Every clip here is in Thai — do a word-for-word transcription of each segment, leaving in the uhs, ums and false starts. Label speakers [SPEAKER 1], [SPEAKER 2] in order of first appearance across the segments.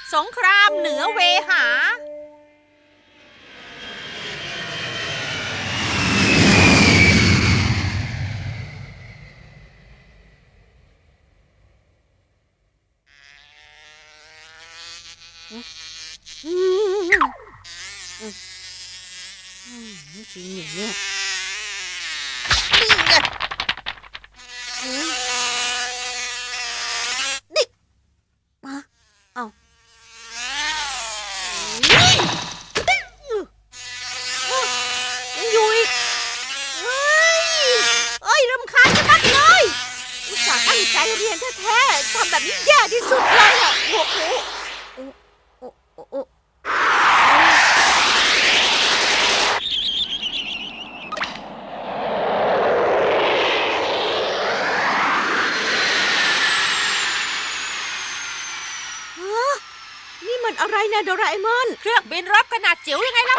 [SPEAKER 1] สงครามเหนือเวหาจริงอย่างเนี้ยนี่ไงนี่มาเอายังอยู่อีกเฮ้ยเอ้ยรำคาญจะมัดเลยอุตส่าห์ตั้งใจเรียนแท้ๆทำแบบนี้แย่ที่สุดเลยอ่ะโอ้โหโอ้โอ้โอ้โอ้มันอะไรนะโดราเอมอนเครื่องบินรบขนาดจิ๋วยังไงเล่า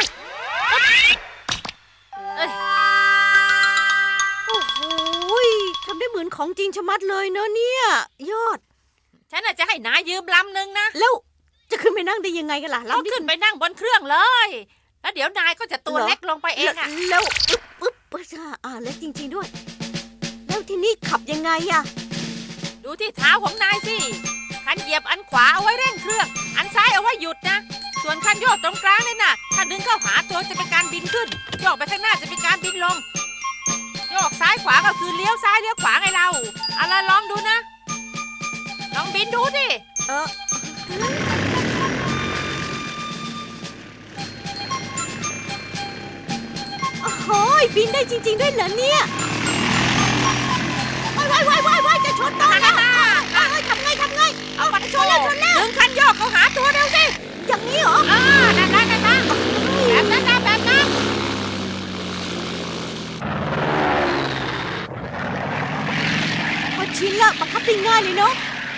[SPEAKER 1] เอ้ยโอ้โหทำได้เหมือนของจริงชะมัดเลยเนอะเนี่ยยอดฉันอาจจะให้นายยืมลำหนึ่งนะแล้วจะขึ้นไปนั่งได้ยังไงกันล่ะลำขึ้นไปนั่งบนเครื่องเลยแล้วเดี๋ยวนายก็จะตัวเล็กลงไปเองอะแล้วอึ๊บอึ๊บอ่าเล็กจริงๆด้วยแล้วที่นี่ขับยังไงอะดูที่เท้าของนายสิคันเหยียบอันขวาเอาไว้เร่งเครื่องอันซ้ายเอาไว้หยุดนะส่วนคันโยกตรงกลางนี่นะถ้าดึงเข้าหาตัวจะเป็นการบินขึ้นโยกไปข้างหน้าจะเป็นการบินลงโยกซ้ายขวาก็คือเลี้ยวซ้ายเลี้ยวขวาไงเราอะไรลองดูนะลองบินดูดิเออโอ้โหบินได้จริงๆด้วยเหรอเนี่ยว้ายว้ายว้ายว้ายจะชนต้นแล้วทำไงทำไงเอาบัตรชนแล้วชนแล้วดึงคันโยกเขาหาตัวเร็วสิอย่างนี้เหรออ่านั่นนั่นนั่นแบบนั้นนะแบบนั้นพอชินละบังคับได้ง่ายเลยเนาะ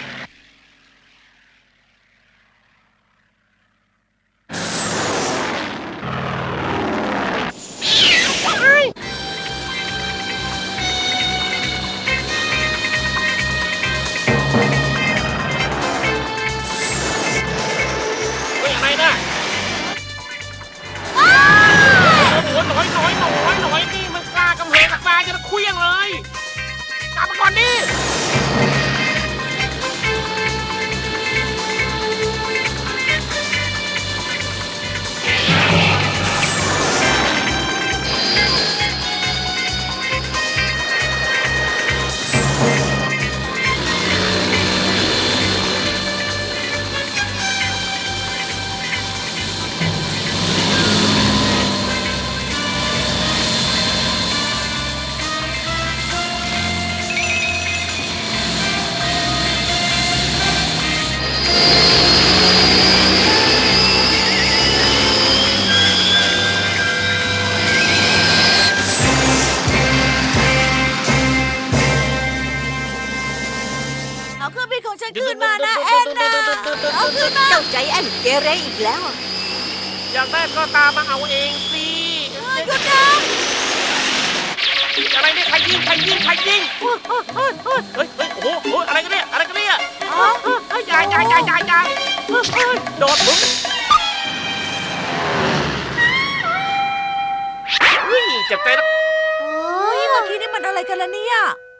[SPEAKER 1] เกเรอีกแล้ว
[SPEAKER 2] อยากได้ก็ตามมาเอาเองสิ
[SPEAKER 1] หยุดนะ
[SPEAKER 2] อะไรเนี่ยใครยิงใครยิงใครยิงเฮ้ยเฮ้ยโอ้โหอะไรกันเนี่ยอะไรกันเนี่ยอ๋อใหญ่ใหญ่ใหญ่ใหญ่ใหญ่โดดมึงเฮ้ยเจ็บใจนะ
[SPEAKER 1] โอ้ยเมื่อกี้นี่มันอะไรกันล่ะเนี่ย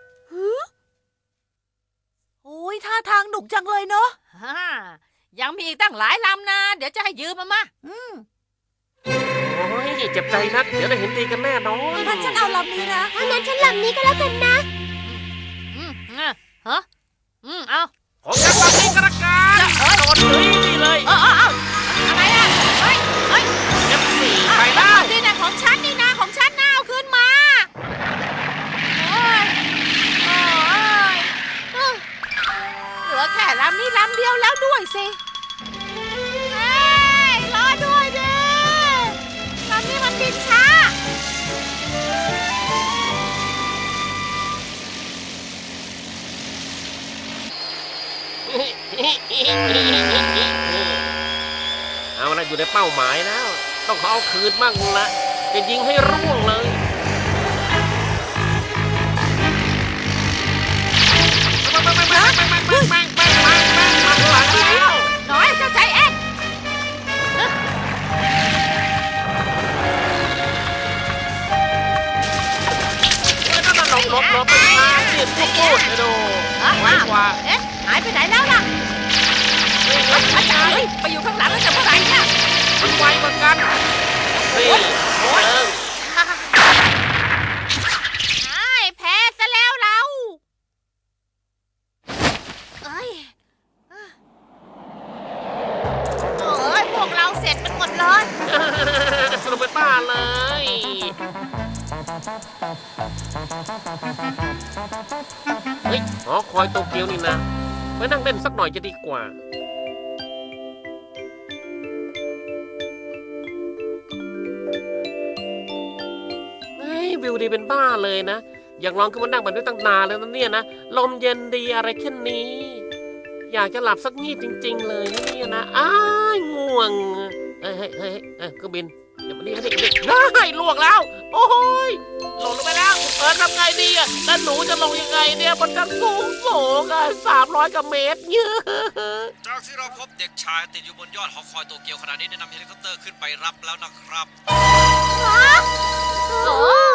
[SPEAKER 1] โอ้ยท่าทางหนุกจังเลยเนาะยังมีอีกตั้งหลายลำนะเดี๋ยวจะให้ยืมมามาอืม
[SPEAKER 2] โอ้ยเจ็บใจนักเดี๋ยวได้เห็นดีกันแน่นอน
[SPEAKER 1] งั้นฉันเอาลำนี้นะ
[SPEAKER 3] งั้นฉันลำนี้ก็แล้วกันนะ
[SPEAKER 1] อืมฮะฮะอืมเอา
[SPEAKER 2] ของฉันลำนี้กระการโดนเลยนี่เลย
[SPEAKER 1] เออเอออะไรอ่ะเฮ้ยเฮ้ย
[SPEAKER 2] เอฟสี่ไปแล้ว
[SPEAKER 1] นี่นะของฉันนี่นะของฉันนะเอาคืนมาโอ้ยโอ้ยเหลือแค่ลำนี้ลำเดียวแล้วด้วยสิเฮ้ยรอด้วยดิลำนี้มันบินช้า
[SPEAKER 2] เอาละอยู่ในเป้าหมายแล้วต้องขอเอาคืนบ้างละจะยิงให้ร่วงเลย
[SPEAKER 1] น้อยเจ้าใจแอนไหนแล้วล่ะอาจารย์ไปอยู่ข้างหลังแล้วจะเมื่อไหร่เนี่ย
[SPEAKER 2] มันไวเหมือนกันนี่โอ้ย
[SPEAKER 1] แพ้ซะแล้วเราเอ้ยโอ้ยพวกเราเสร็จมันหมดเลย
[SPEAKER 2] สนุกเป็นบ้าเลยเฮ้ยหอคอยโตเกียวนี่นะไปนั่งเล่นสักหน่อยจะดีกว่าเฮ้ยวิวดีเป็นบ้าเลยนะอยากลองขึ้นมานั่งแบบนี้ตั้งนานแล้วนะเนี่ยนะลมเย็นดีอะไรแค่นี้อยากจะหลับสักงีบจริงๆเลยนะเนี่ยนะอ้ายง่วงเฮ้ยเฮ้ยเฮ้ยเฮ้ยเครื่องบินเดี๋ยวมานี่นี่นี่ได้ลวกแล้วโอ้ยหล่นลงไปแล้วเออทำไงดีอ่ะแล้วหนูจะลงยังไงเนี่ยมันจะสูงสูงอ่ะสามร้อยกว่าเมตรเยอะ
[SPEAKER 4] จากที่เราพบเด็กชายติดอยู่บนยอดหอคอยโตเกียวขณะนี้ได้นำเฮลิคอปเตอร์ขึ้นไปรับแล้วนะครับ
[SPEAKER 1] โอ้